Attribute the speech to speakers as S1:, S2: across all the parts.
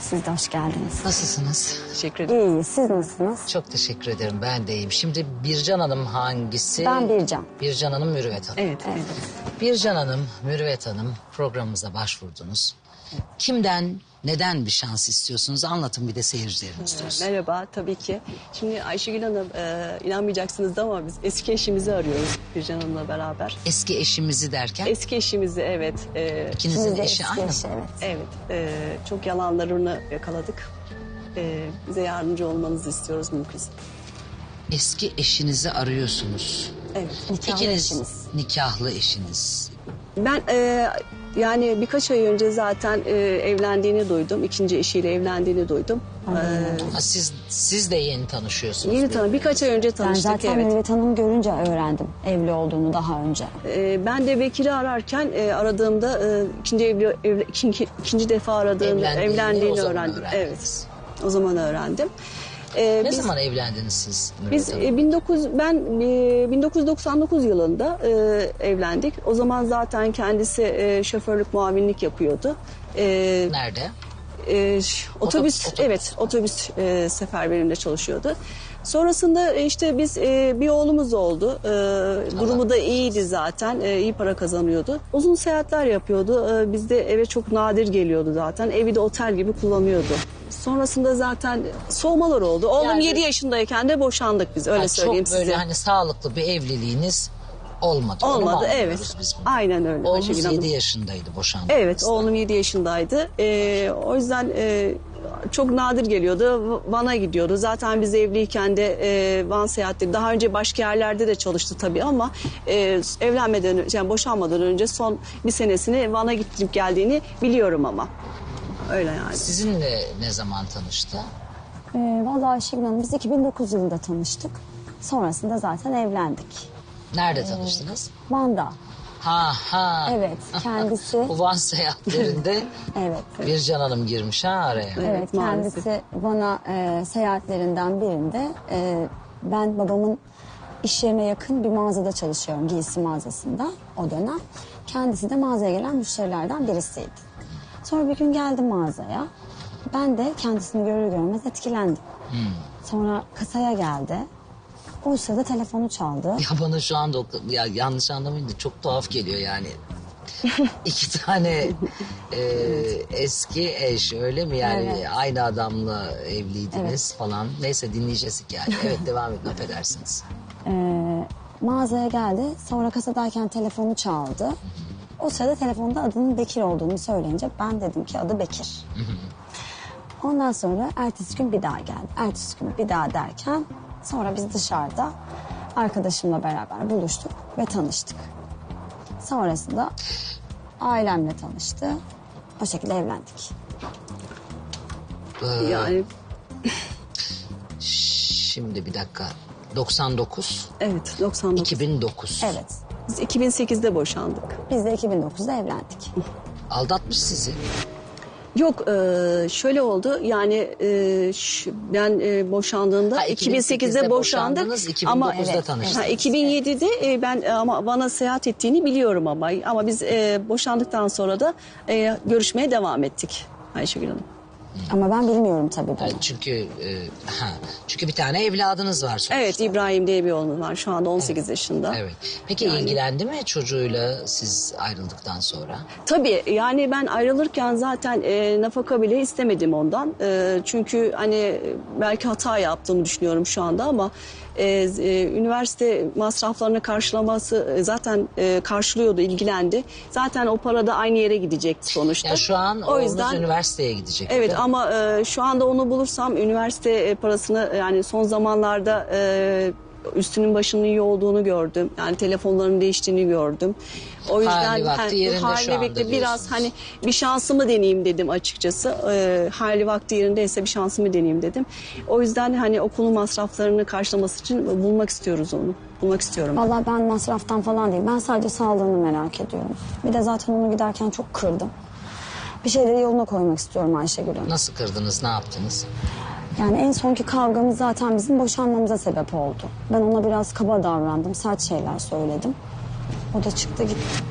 S1: Siz de hoş geldiniz.
S2: Nasılsınız?
S3: Teşekkür ederim.
S1: İyi, siz nasılsınız?
S2: Çok teşekkür ederim. Ben de iyiyim. Şimdi Bircan Hanım hangisi?
S1: Ben Bircan.
S2: Bircan Hanım, Mürüvvet Hanım.
S3: Evet.
S2: Bircan Hanım, Mürüvvet Hanım programımıza başvurdunuz. Kimden, neden bir şans istiyorsunuz? Anlatın bir de seyircilerimiz duysun.
S3: Merhaba, tabii ki. Şimdi Ayşegül Hanım, inanmayacaksınız da ama biz eski eşimizi arıyoruz Bircan Hanım'la beraber.
S2: Eski eşimizi derken?
S3: Eski eşimizi, evet.
S2: İkinizin
S1: İkimiz de
S2: eşi
S1: eski
S2: aynı mı?
S1: eşi, evet.
S3: Evet, çok yalanlarını yakaladık. Bize yardımcı olmanızı istiyoruz mümkünse.
S2: Eski eşinizi arıyorsunuz.
S3: Evet.
S1: Nikahlı
S2: İkiniz
S1: eşimiz.
S2: nikahlı eşiniz.
S3: Ben yani birkaç ay önce zaten evlendiğini duydum. İkinci eşiyle evlendiğini duydum.
S2: Ha, siz de yeni tanışıyorsunuz.
S3: Yeni birkaç ay önce
S1: Ben
S3: tanıştık,
S1: zaten
S3: evet.
S1: Mürüvvet Hanım görünce öğrendim evli olduğunu daha önce.
S3: Ben de Bekir'i ararken aradığımda ikinci defa aradığımda evlendiğini
S2: o zaman
S3: öğrendim.
S2: öğrendiniz.
S3: Evet. O zaman öğrendim.
S2: Ne zaman evlendiniz siz Mürüvvet
S3: Biz
S2: Hanım?
S3: ben 1999 yılında evlendik. O zaman zaten kendisi şoförlük muavinlik yapıyordu.
S2: Nerede?
S3: Otobüs,
S2: Otobüs.
S3: evet, otobüs seferberinde çalışıyordu. Sonrasında işte biz bir oğlumuz oldu. Durumu da iyiydi zaten. İyi para kazanıyordu. Uzun seyahatler yapıyordu. Bizde eve çok nadir geliyordu zaten. Evi de otel gibi kullanıyordu. Sonrasında zaten soğumalar oldu. Oğlum
S2: Yani-
S3: 7 yaşındayken de boşandık biz. Öyle
S2: Ha,
S3: söyleyeyim
S2: çok böyle
S3: size.
S2: hani sağlıklı bir evliliğiniz olmadı. Onu mu
S3: Olmadı,
S2: anlıyoruz
S3: evet.
S2: biz bunu?
S3: Aynen öyle.
S2: Oğlunuz
S3: Ayşegül Hanım.
S2: 7 yaşındaydı boşandığınızda.
S3: Evet, oğlum 7 yaşındaydı. O yüzden çok nadir geliyordu. Van'a gidiyordu. Zaten biz evliyken de Van seyahatleri, daha önce başka yerlerde de çalıştı tabii ama evlenmeden önce, yani boşanmadan önce son bir senesini Van'a gidip geldiğini biliyorum ama. Öyle yani.
S2: Sizinle ne zaman tanıştı?
S1: Vallahi Ayşegül Hanım biz 2009 yılında tanıştık. Sonrasında zaten evlendik.
S2: Nerede tanıştınız?
S1: Van'da.
S2: Ha.
S1: Evet, kendisi.
S2: Bu Van seyahatlerinde
S1: Evet.
S2: Bircan Hanım girmiş ha araya.
S1: Evet,
S3: maalesef.
S1: kendisi bana seyahatlerinden birinde ben babamın iş yerine yakın bir mağazada çalışıyorum, giysi mağazasında o dönem. Kendisi de mağazaya gelen müşterilerden birisiydi. Sonra bir gün geldim mağazaya. Ben de kendisini görür görmez etkilendim. Sonra kasaya geldi. O sırada telefonu çaldı.
S2: Ya bana şu anda ya yanlış anlamayın da çok tuhaf geliyor yani. İki tane eski eş öyle mi yani
S1: Evet.
S2: aynı adamla evliydiniz falan. Neyse dinleyeceğiz hikaye. Evet devam edin affedersiniz.
S1: Mağazaya geldi. Sonra kasadayken telefonu çaldı. O sırada telefonda adının Bekir olduğunu söyleyince ben dedim ki adı Bekir. Ondan sonra ertesi gün bir daha geldi. Ertesi gün bir daha derken sonra biz dışarıda arkadaşımla beraber buluştuk ve tanıştık. Sonrasında ailemle tanıştı. O şekilde evlendik.
S3: Yani
S2: Şimdi bir dakika. 99,
S3: evet, 99.
S2: 2009.
S1: Evet.
S3: Biz 2008'de boşandık.
S1: Biz de 2009'da evlendik.
S2: Aldatmış sizi.
S3: Yok, şöyle oldu yani ben boşandığımda
S2: Ha,
S3: 2008'de boşandık
S2: boşandınız, 2009'da
S3: ama
S2: tanıştınız.
S3: 2007'de ben ama seyahat ettiğini biliyorum ama biz boşandıktan sonra da görüşmeye devam ettik Ayşegül Hanım.
S1: Ama ben bilmiyorum tabii bunu.
S2: Yani çünkü bir tane evladınız var sonuçta.
S3: Evet, İbrahim diye bir oğlum var şu anda 18 yaşında.
S2: Evet. Peki ilgilendi mi çocuğuyla siz ayrıldıktan sonra?
S3: Tabii yani ben ayrılırken zaten nafaka bile istemedim ondan. Çünkü hani belki hata yaptığımı düşünüyorum şu anda ama üniversite masraflarını karşılaması zaten karşılıyordu, ilgilendi. Zaten o para da aynı yere gidecekti sonuçta.
S2: Ya şu an oğlunuz üniversiteye gidecek.
S3: Evet
S2: değil mi?
S3: ama şu anda onu bulursam üniversite parasını yani son zamanlarda üstünün başının iyi olduğunu gördüm. Yani telefonların değiştiğini gördüm. O yüzden
S2: Hali vakti yerinde
S3: hali
S2: şu anda
S3: vakti biraz
S2: diyorsunuz.
S3: hani bir şansımı deneyeyim dedim açıkçası. Hali vakti yerindeyse bir şansımı deneyeyim dedim. O yüzden hani okul masraflarını karşılaması için bulmak istiyoruz onu. Bulmak istiyorum.
S1: Vallahi ben masraftan falan değil. Ben sadece sağlığını merak ediyorum. Bir de zaten onu giderken çok kırdım. Bir şeyleri yoluna koymak istiyorum Ayşegül Hanım.
S2: Nasıl kırdınız, ne yaptınız?
S1: Yani en sonki kavgamız zaten bizim boşanmamıza sebep oldu. Ben ona biraz kaba davrandım, sert şeyler söyledim. O da çıktı gitti.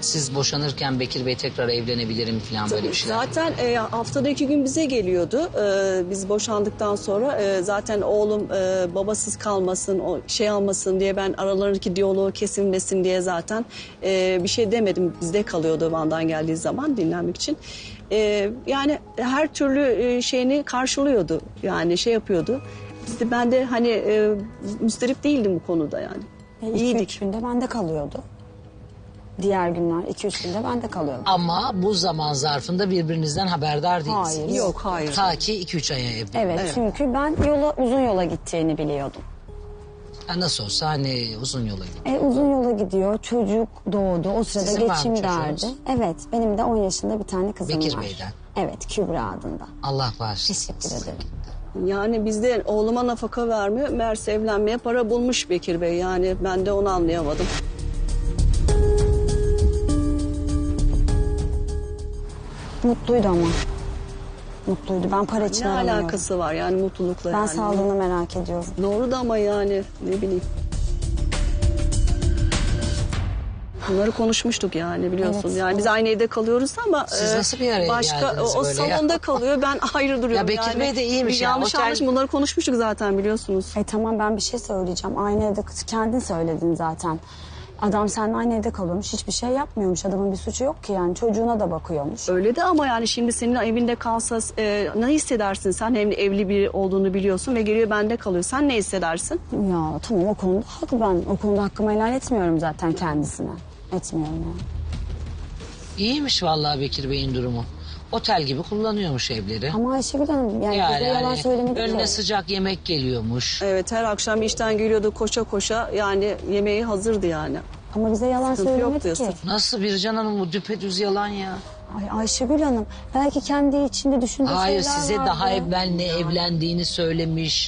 S2: siz boşanırken Bekir Bey tekrar evlenebilirim falan böyle bir şeyler.
S3: Zaten haftada 2 gün bize geliyordu. Biz boşandıktan sonra zaten oğlum babasız kalmasın, o şey almasın diye ben aralarındaki diyaloğu kesilmesin diye zaten bir şey demedim. Bizde kalıyordu Van'dan geldiği zaman dinlenmek için. Yani her türlü şeyini karşılıyordu. Yani şey yapıyordu. Ben de hani müsterip değildim bu konuda yani.
S1: 2-3 günde bende kalıyordu. Diğer günler 2-3 günde bende kalıyordu.
S2: Ama bu zaman zarfında birbirinizden haberdar değilsiniz.
S1: Hayır.
S3: Yok, hayır.
S2: Ta ki 2-3 aya evli.
S1: Evet, çünkü ben uzun yola gideceğini biliyordum.
S2: Ha, nasıl olsa hani uzun yola gidiyor.
S1: Uzun yola gidiyor, çocuk doğdu, o sırada
S2: Sizin var mı
S1: geçim derdi.
S2: çocuğunuz?
S1: Evet, benim de 10 yaşında bir tane kızım
S2: Bekir
S1: var.
S2: Bey'den.
S1: Evet, Kübra adında.
S2: Allah bağışlasın.
S1: Teşekkür ederim.
S3: Yani bizde oğluma nafaka vermiyor. Meğerse evlenmeye para bulmuş Bekir Bey. Yani ben de onu anlayamadım.
S1: Mutluydu ama. Mutluydu. Ben para için
S3: Ne
S1: aramıyorum.
S3: alakası var yani mutlulukla
S1: Ben
S3: yani.
S1: sağlığını merak ediyorum.
S3: Doğru da ama yani ne bileyim. Bunları konuşmuştuk yani biliyorsun.
S1: Evet,
S3: yani biz aynı evde kalıyoruz ama
S2: Siz nasıl bir araya
S3: başka
S2: geldiniz
S3: o
S2: böyle ya?
S3: salonda kalıyor. Ben ayrı duruyorum.
S2: Ya Bekir
S3: yani.
S2: Bey de iyiymiş
S3: Bir
S2: ya,
S3: yanlış
S2: otel-
S3: anlaşılma bunları konuşmuştuk zaten biliyorsunuz.
S1: Tamam, ben bir şey söyleyeceğim. Aynı evde kendin söyledin zaten. Adam seninle aynı evde kalıyormuş. Hiçbir şey yapmıyormuş. Adamın bir suçu yok ki yani. Çocuğuna da bakıyormuş.
S3: Öyle de ama yani şimdi senin evinde kalsa ne hissedersin? Sen hem de evli biri olduğunu biliyorsun ve geliyor bende kalıyor. Sen ne hissedersin?
S1: Ya tamam, o konuda haklı ben. O konuda hakkımı helal etmiyorum zaten kendisine. Etmiyorum yani.
S2: İyiymiş vallahi Bekir Bey'in durumu. Otel gibi kullanıyormuş evleri.
S1: Ama Ayşegül Hanım yani,
S2: Yani
S1: bize yalan
S2: hani
S1: söylemedik
S2: önüne
S1: ki.
S2: sıcak yemek geliyormuş.
S3: Evet her akşam işten geliyordu koşa koşa yani yemeği hazırdı yani.
S1: Ama bize yalan
S3: Sıkıntı yok
S1: söylemedi ki.
S3: diyorsun.
S2: Nasıl Bircan Hanım, bu düpedüz yalan ya.
S1: Ay Ayşegül Hanım belki kendi içinde düşündüğü
S2: Hayır,
S1: şeyler
S2: size
S1: vardı.
S2: daha evvel ne evlendiğini söylemiş.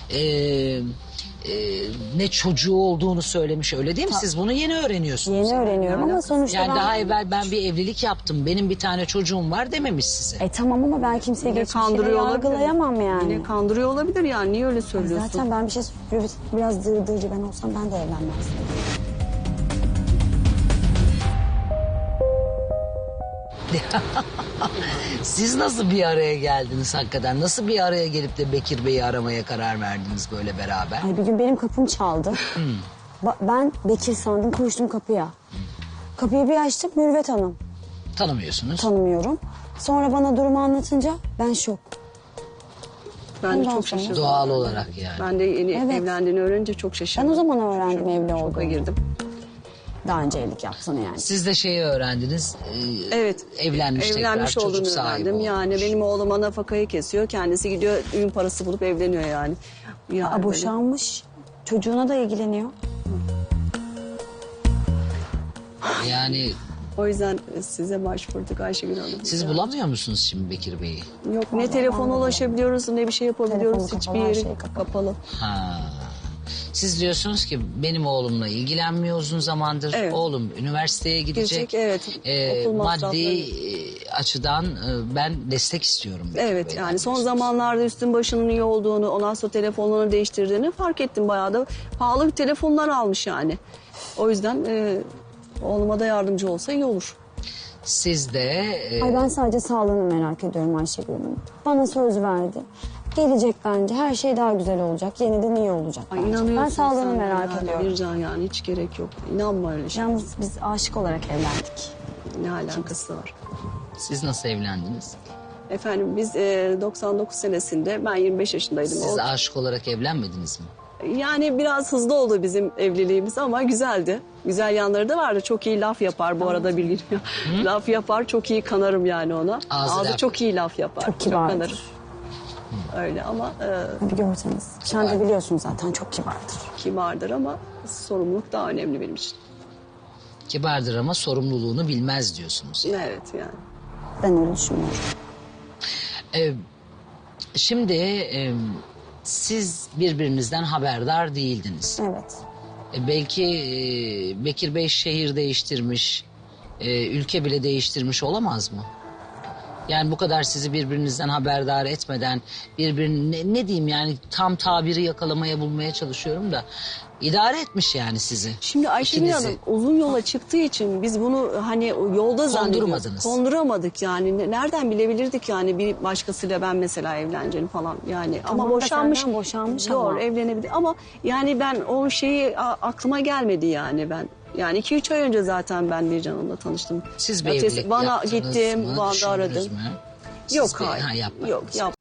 S2: Ne çocuğu olduğunu söylemiş, öyle değil mi? Siz bunu yeni öğreniyorsunuz.
S1: Yeni öğreniyorum ama sonuçta
S2: Yani
S1: ben...
S2: daha evvel ben bir evlilik yaptım, benim bir tane çocuğum var dememiş size.
S1: Tamam ama ben kimseyi
S3: Yine
S1: geçmişiyle
S3: kandırıyor olabilir.
S1: yargılayamam yani.
S3: Yine kandırıyor olabilir yani niye öyle söylüyorsun?
S1: Zaten ben bir şey biraz dırdırcı ben olsam ben de evlenmezdim.
S2: Siz nasıl bir araya geldiniz hakikaten? Nasıl bir araya gelip de Bekir Bey'i aramaya karar verdiniz böyle beraber?
S1: Ay bir gün benim kapım çaldı. Ben Bekir sandım, koştum kapıya. Kapıyı bir açtım, Mürvet Hanım.
S2: Tanımıyorsunuz.
S1: Tanımıyorum. Sonra bana durumu anlatınca ben şok.
S3: Ben de
S1: Ondan
S3: çok
S1: sonra-
S3: şaşırdım.
S2: Doğal olarak yani.
S3: Ben de yeni
S1: Evet.
S3: evlendiğini öğrenince çok
S1: Ben
S3: şaşırdım.
S1: o zaman öğrendim evli
S3: Şoka
S1: olduğunu.
S3: girdim.
S1: Daha önce evlilik yaptığını yani.
S2: Siz de şeyi öğrendiniz.
S3: Evet.
S2: Evlenmiş
S3: Evlenmiş
S2: tekrar,
S3: olduğunu
S2: çocuk sahibi
S3: öğrendim.
S2: olmuş.
S3: Yani benim oğluma nafakayı kesiyor. Kendisi gidiyor ürün parası bulup evleniyor yani. Yani böyle-
S1: Boşanmış. Çocuğuna da ilgileniyor.
S2: Yani
S3: O yüzden size başvurduk Ayşegül Hanım.
S2: siz bulamıyor musunuz şimdi Bekir Bey'i?
S3: Yok ne telefona ulaşabiliyoruz ne bir şey yapabiliyoruz.
S1: Telefonu
S3: Hiçbir
S1: kapalı, her
S3: yeri
S1: şey kapalı.
S3: kapalı.
S2: Ha. Siz diyorsunuz ki benim oğlumla ilgilenmiyor uzun zamandır.
S3: Evet.
S2: Oğlum üniversiteye gidecek.
S3: Gidecek, evet. Okul
S2: maddi
S3: masrafları.
S2: Açıdan ben destek istiyorum. Bekir
S3: Evet
S2: Bey'den
S3: yani son
S2: diyorsunuz.
S3: zamanlarda üstün başının iyi olduğunu ondan sonra telefonlarını değiştirdiğini fark ettim. Bayağı da pahalı bir telefonlar almış yani. O yüzden oğluma da yardımcı olsa iyi olur.
S2: Siz de
S1: Ay ben sadece sağlığını merak ediyorum Ayşegül Hanım. Bana söz verdi. Gelecek bence. Her şey daha güzel olacak. Yeniden iyi olacak
S3: Ay
S1: bence.
S3: inanıyorsun
S1: Ben sağlığını
S3: sen
S1: merak
S3: yani,
S1: ediyorum.
S3: Bircan yani hiç gerek yok. İnanma öyle şey.
S1: Yalnız biz aşık olarak evlendik.
S3: Ne alakası var?
S2: siz nasıl evlendiniz?
S3: Efendim biz 99 senesinde ben 25 yaşındaydım.
S2: Siz aşık olarak evlenmediniz mi?
S3: Yani biraz hızlı oldu bizim evliliğimiz ama güzeldi. Güzel yanları da vardı. Çok iyi laf yapar bu arada bilgin. Laf yapar çok iyi kanarım yani ona.
S2: Ağzı
S3: Ağzı
S2: laf.
S3: çok iyi laf yapar.
S1: Çok kibardır.
S3: kanarım. Öyle ama
S1: Bir görseniz. Sen de biliyorsun zaten çok kibardır.
S3: kibardır ama sorumluluk daha önemli benim için.
S2: Kibardır ama sorumluluğunu bilmez diyorsunuz.
S3: Evet yani.
S1: Ben öyle düşünmüyorum.
S2: Ee, Şimdi siz birbirinizden haberdar değildiniz.
S1: Evet.
S2: Belki Bekir Bey şehir değiştirmiş, ülke bile değiştirmiş olamaz mı? Yani bu kadar sizi birbirinizden haberdar etmeden birbirini ne diyeyim yani tam tabiri yakalamaya bulmaya çalışıyorum da idare etmiş yani sizi.
S3: Şimdi Ayşegül
S2: İkinizi.
S3: Hanım uzun yola çıktığı için biz bunu hani yolda zannediyoruz.
S2: Kondurmadınız.
S3: Konduramadık yani. Nereden bilebilirdik yani bir başkasıyla ben mesela evleneceğim falan yani.
S1: Tamam
S3: ama
S1: da senden boşanmış
S3: Doğru,
S1: ama.
S3: evlenebilir ama yani ben o şeyi aklıma gelmedi yani ben. Yani 2-3 ay önce zaten ben Bircan Hanım'la tanıştım.
S2: Siz bir
S3: Ertesi-
S2: evlilik
S3: Van'a
S2: yaptınız
S3: gittim,
S2: mı?
S3: Van'da
S2: Düşündünüz
S3: aradım.
S2: mü?
S3: Yok
S2: Siz bir-
S3: hayır.
S2: Ha, yapmadınız.
S3: Yok